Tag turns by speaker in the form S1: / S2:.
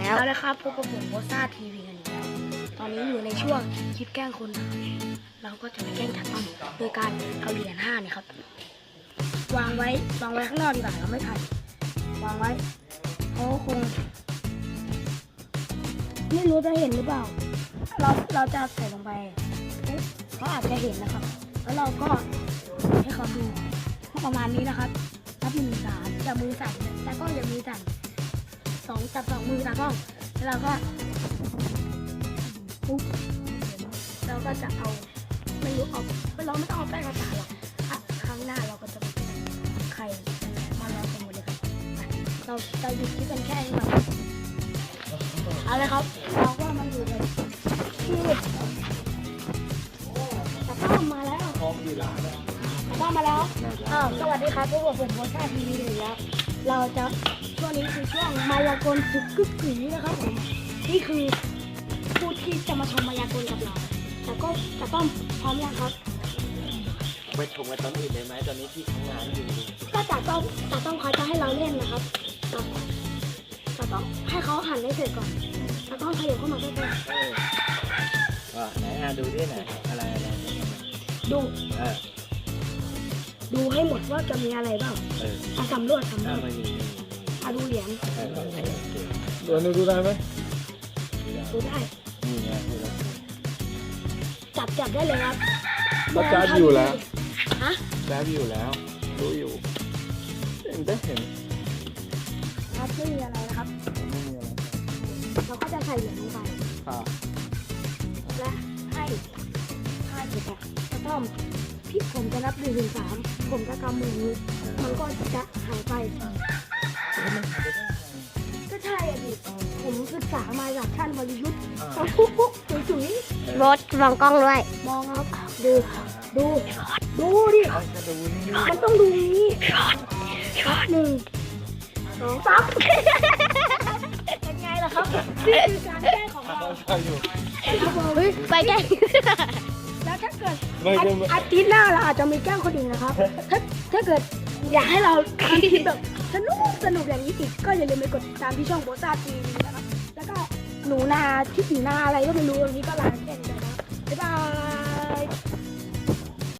S1: แล้วนะครับพบกับผมโบซ่าทีวีกันอีกแล้วตอนนี้อยู่ในช่วงคิดแกล้งคนนะครับเราก็จะไปแกล้งจัดต้นโดยการเอาเหรียญ5เนี่ยครับวางไว้ข้างนอกดีกว่าเราไม่ถ่ายวางไว้เขาคงไม่รู้จะเห็นหรือเปล่าเราจะใส่ลงไปเขาอาจจะเห็นนะครับแล้วเราก็ให้เขาดูประมาณนี้นะครับนับ1 3อย่ามือสั่นแต่ก็อย่ามือสั่นจับ2 มือตากล้องแล้วเราก็ปุ๊บเราก็จะเอาไม่รู้เอาเราไม่ต้องเอาแป้งกระสาหรอกครั้งหน้าเราก็จะไข่มาลองกันหมดเลยครับเราจะหยุดที่เป็นแค่นี้ก่อนเอาเลยครับเราก็มาอยู่เลยที่ตากล้องมาแล้วตากล้องมาแล้วสวัสดีครับพวกผมโบซ่าทีวีอีกแล้วเราจะช่วงนี้คือช่วงมายากลสุดกึกกือนะครับผมนี่คือผู้ที่จะมาชมมายากลกับเราแต่ก็จะต้องพร้อมยังครับ
S2: ไปชมกันตอนอื่นเลยไหมตอนนี้ที่ทำงานอยู่
S1: ก็จะต้องเขาจะให้เราเล่นนะครับจะต้องให้เขาหันได้เสร็จก่อนจะต้องขยับเข้ามาใกล้
S2: ไหนดูดิไหนอะไร
S1: ดูให้หมดว่าจะมีอะไรบ้างสำรวจดูเหรียญ
S3: ดูได้ไหม
S1: ดูได้จับได้เลยครับ
S3: ก็จับอยู่แล้ว
S1: ฮะ
S3: จับอยู่แล้วรู้อยู่เห็น
S1: ครับไม่มีอะไรนะครับเราก็จะใส่เหรียญลงไปและให้เสร็จแล้วต้องพี่ผมจะนับ1 ถึง 3ผมจะกำมือนี้มันก็จะหายไปก็ใช่ดิผมศึกษามาจากท่านวรยุทธ์ปุ๊บจุ๋ย
S4: รถมองกล้องด้วย
S1: มองครับดูดิมันต้องดูนี้1 2 3เป็นไงล่ะครับนี่คือการแก้ของเรา
S4: ไปแกล้ง
S1: แล้วถ้าเกิดอาทิตย์หน้าเราอาจจะมีแกล้งคนอื่นนะครับถ้าเกิดอยากให้เราทำคลิปแบบสนุกอย่างนี้อีกก็อย่าลืมไปกดติดตามที่ช่องโบซ่าทีวีนะครับแล้วก็หนูนาที่หนูนาอะไรก็ไม่รู้วันนี้ก็ลาแค่นี้นะครับบ๊ายบาย